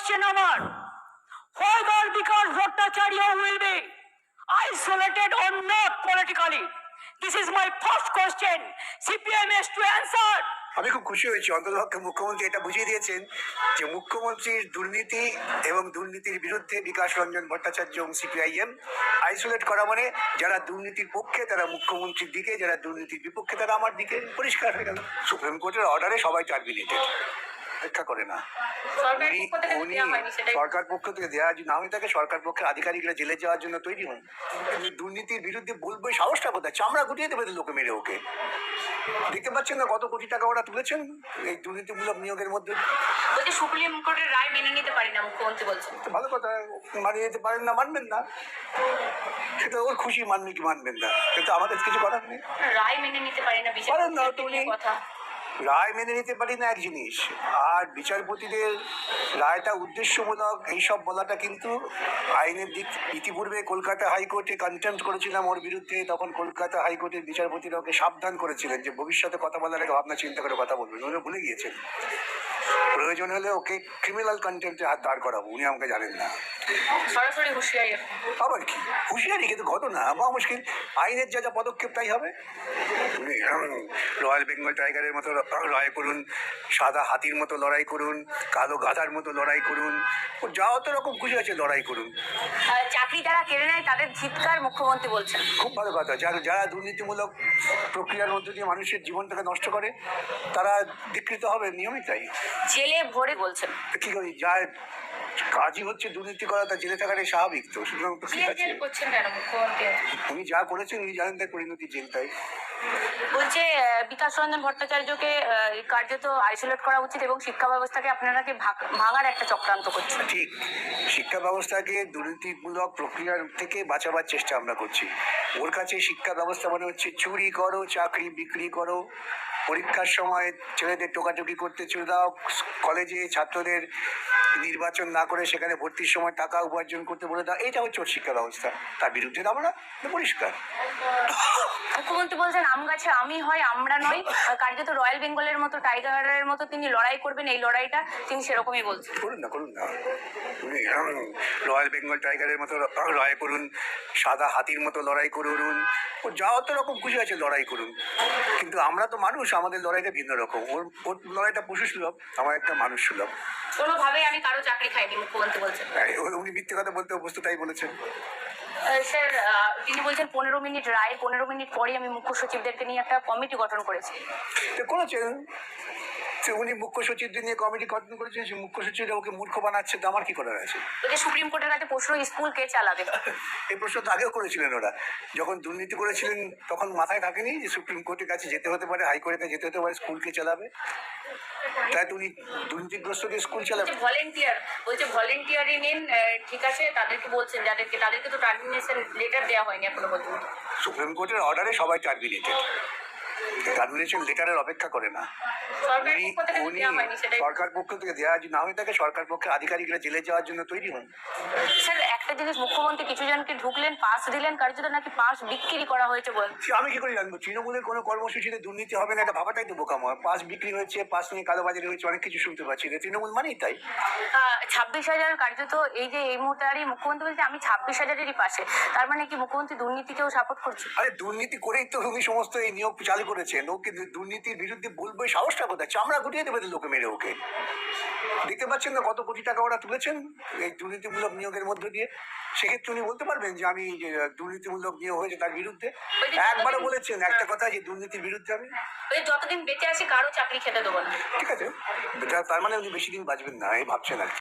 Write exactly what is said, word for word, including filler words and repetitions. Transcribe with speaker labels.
Speaker 1: question আমার, whether because Bhattacharya will be isolated or not politically. This is my first question. C P I M has to answer.
Speaker 2: আমি খুব খুশি হয়েছি অন্ততপক্ষে মুখ্যমন্ত্রী এটা বুঝিয়ে দিয়েছেন যে মুখ্যমন্ত্রীর দুর্নীতি এবং দুর্নীতির বিরুদ্ধে বিকাশ রঞ্জন ভট্টাচার্য এবং সিপিআইএম আইসোলেট করা মানে যারা দুর্নীতির পক্ষে তারা মুখ্যমন্ত্রীর দিকে, যারা দুর্নীতির বিপক্ষে তারা আমার দিকে, পরিষ্কার হয়ে গেল। সুপ্রিম কোর্টের অর্ডারে সবাই টার্মিনেটেড, অপেক্ষা করে না। উনি সরকার পক্ষ থেকে দেওয়া না হয়ে থাকে, সরকার পক্ষের আধিকারিকরা জেলে যাওয়ার জন্য তৈরি হন। দুর্নীতির বিরুদ্ধে বলবো সাহসটা কোথায়? চামড়া গুটিয়ে দেবে লোকে মেরে ওকে। দেখতে পাচ্ছেন না কত কোটি টাকা ওরা তুলেছেন এই দুর্নীতিমূলক নিয়োগের মধ্যে।
Speaker 1: সুপ্রিম কোর্টের রায় মেনে নিতে পারি না মুখ্যমন্ত্রী বলছেন।
Speaker 2: ভালো কথা, মানিয়ে নিতে পারেন না, মানবেন না, সেটা ওর খুশি, মানবে কি মানবেন না, কিন্তু আমাদের কিছু করার নেই।
Speaker 1: রায় মেনে নিতে পারি না,
Speaker 2: পারেন না তুমি। রায় মেনে নিতে পারি না এক জিনিস, আর বিচারপতিদের রায়টা উদ্দেশ্যমূলক এইসব বলাটা কিন্তু আইনের দিক। ইতিপূর্বে কলকাতা হাইকোর্টে কন্টেম্পট করেছিলাম ওর বিরুদ্ধে, তখন কলকাতা হাইকোর্টের বিচারপতিরা ওকে সাবধান করেছিলেন যে ভবিষ্যতে কথা বলার আগে ভাবনা চিন্তা করে কথা বলবেন। উনি ভুলে গিয়েছেন। প্রয়োজন হলে ওকে ক্রিমিনাল কন্টেম্পটে হাত দাঁড় করাবো, উনি আমাকে জানেন না।
Speaker 1: সরাসরি হুঁশিয়ারি।
Speaker 2: আবার কি হুঁশিয়ারি? কিন্তু ঘটনা বা মুশকিল, আইনের যা যা পদক্ষেপ তাই হবে। রয়্যাল বেঙ্গল টাইগারের মতো লড়াই করুন, সাদা হাতির মতো লড়াই করুন, কালো গাধার মতো লড়াই করুন, ও যা অত রকম খুশি আছে লড়াই করুন।
Speaker 1: চাকরি যারা কেড়ে নেয় তাদের ধিক্কার মুখ্যমন্ত্রী বলছেন।
Speaker 2: খুব ভালো কথা। যারা যারা দুর্নীতিমূলক প্রক্রিয়ার মধ্যে দিয়ে মানুষের জীবনটাকে নষ্ট করে তারা ধিকৃত হবে, নিয়মিত তাই।
Speaker 1: জেলে ভরে বলছেন
Speaker 2: কি করি, যা কাজই হচ্ছে দুর্নীতি করা, তা জেলে থাকাটাই স্বাভাবিক। তো সুতরাং তো ঠিক আছে, উনি যা করেছেন উনি জানেন তার পরিণতি জেল। তাই
Speaker 1: বলছে বিকাশ রঞ্জন ভট্টাচার্যকে কার্যত আইসোলেট করা উচিত এবং শিক্ষা ব্যবস্থাকে আপনারা কি ভাঙার একটা চক্রান্ত করছেন।
Speaker 2: ঠিক, শিক্ষা ব্যবস্থাকে দুর্নীতিমূলক প্রক্রিয়ার থেকে বাঁচাবার চেষ্টা আমরা করছি। ওর কাছে শিক্ষা ব্যবস্থা মনে হচ্ছে চুরি করো, চাকরি বিক্রি করো, পরীক্ষার সময় ছেলেদের টোকাটুকি করতে চলে দাও, কলেজে ছাত্রদের নির্বাচন না করে সেখানে ভর্তির সময় টাকা উপার্জন করতে বলে দাও, এইটা হচ্ছে ওর শিক্ষা ব্যবস্থা। তার বিরুদ্ধে আমরা পরিষ্কার।
Speaker 1: মুখ্যমন্ত্রী বলছেন আম গাছে আমি হয় আমরা নয়, কার্যত রয়্যাল বেঙ্গলের মতো টাইগারের মতো তিনি লড়াই করবেন, এই লড়াইটা তিনি সেরকমই বলছেন।
Speaker 2: করুন না, করুন না, উনি রয়্যাল বেঙ্গল টাইগারের মতো লড়াই করুন, সাদা হাতির মতো লড়াই করুন, ও যা অত রকম খুশি আছে লড়াই করুন। কিন্তু আমরা তো মানুষ, আমাদের লড়াইটা ভিন্ন রকম। ওর ওর লড়াইটা পশু সুলভ, আমার একটা মানুষ সুলভ।
Speaker 1: কোনোভাবেই আমি কারো চাকরি খাইনি মুখ্যমন্ত্রী বলছেন।
Speaker 2: উনি মিথ্যে কথা বলতে অভ্যস্ত, তাই বলেছেন।
Speaker 1: স্যার তিনি বলছেন পনেরো মিনিট রায়, পনেরো মিনিট পরে আমি মুখ্য সচিবদেরকে নিয়ে একটা কমিটি গঠন করেছি।
Speaker 2: করেছেন উনি মুখ্য সচিবদের নিয়ে কমিটি গঠন করেছেন, সে মুখ্য সচিবরা ওকে মূর্খ বানাচ্ছে, তো আমার কি করার আছে?
Speaker 1: সুপ্রিম কোর্টের কাছে প্রশ্ন, স্কুল কে চালাবে?
Speaker 2: এই প্রশ্ন তো আগেও করেছিলেন ওরা, যখন দুর্নীতি করেছিলেন তখন মাথায় থাকেনি যে সুপ্রিম কোর্টের কাছে যেতে হতে পারে, হাইকোর্টের কাছে যেতে হতে পারে, স্কুল কে চালাবে? তাই তো উনি দুর্নীতিগ্রস্তকে স্কুল চালাবে।
Speaker 1: ভলেন্টিয়ার বলছে ভলেন্টিয়ারি নিন, ঠিক আছে, তাদেরকে বলছেন যাদেরকে, তাদেরকে তো টার্মিনেশন লেটার দেওয়া হয়নি এখনো পর্যন্ত।
Speaker 2: সুপ্রিম কোর্টের অর্ডারে সবাই টার্মিনেটেড, টার্মিনেশন লেটারের অপেক্ষা করে না। উনি সরকার পক্ষ থেকে দেওয়া না হয়ে থাকে, সরকার পক্ষের আধিকারিকরা জেলে যাওয়ার জন্য তৈরি হন।
Speaker 1: স্যার একটা জিনিস, মুখ্যমন্ত্রী কিছু জনকে ঢুকলেন, পাস দিলেন, কার্যত নাকি পাস বিক্রি করা হয়েছে বলেন।
Speaker 2: আমি কি করে জানবো? তৃণমূলের কোনো কর্মসূচিতে দুর্নীতি হবে না, এটা ভাবাটাই তো বোকাময়। পাস বিক্রি হয়েছে, পাস নিয়ে কালোবাজারি হয়েছে, অনেক কিছু শুনতে পাচ্ছি। তৃণমূল মানেই তাই।
Speaker 1: ছাব্বিশ হাজার কার্যত এই যে এই মুহূর্তে আর মুখ্যমন্ত্রী বলছে আমি ছাব্বিশ হাজারেরই পাশে, তার মানে কি মুখ্যমন্ত্রী দুর্নীতিকেও সাপোর্ট করছে?
Speaker 2: আরে দুর্নীতি করেই তো উনি সমস্ত এই নিয়োগ চালু করেছেন। ও কিন্তু দুর্নীতির বিরুদ্ধে বলবো সাহসটা কোথায়? চামড়া গুটিয়ে দেবে লোকে মেরে ওকে। দেখতে পাচ্ছেন না কত কোটি টাকা ওরা তুলেছেন এই দুর্নীতিমূলক নিয়োগের মধ্য দিয়ে। সেক্ষেত্রে উনি বলতে পারবেন যে আমি দুর্নীতিমূলক নিয়োগ হয়েছে তার বিরুদ্ধে? একবারও বলেছেন একটা কথা যে দুর্নীতির বিরুদ্ধে আমি
Speaker 1: যতদিন বেঁচে আছি কারো চাকরি খেতে দেবো না।
Speaker 2: ঠিক আছে, তার মানে উনি বেশি দিন বাঁচবেন না এই ভাবছেন আর কি।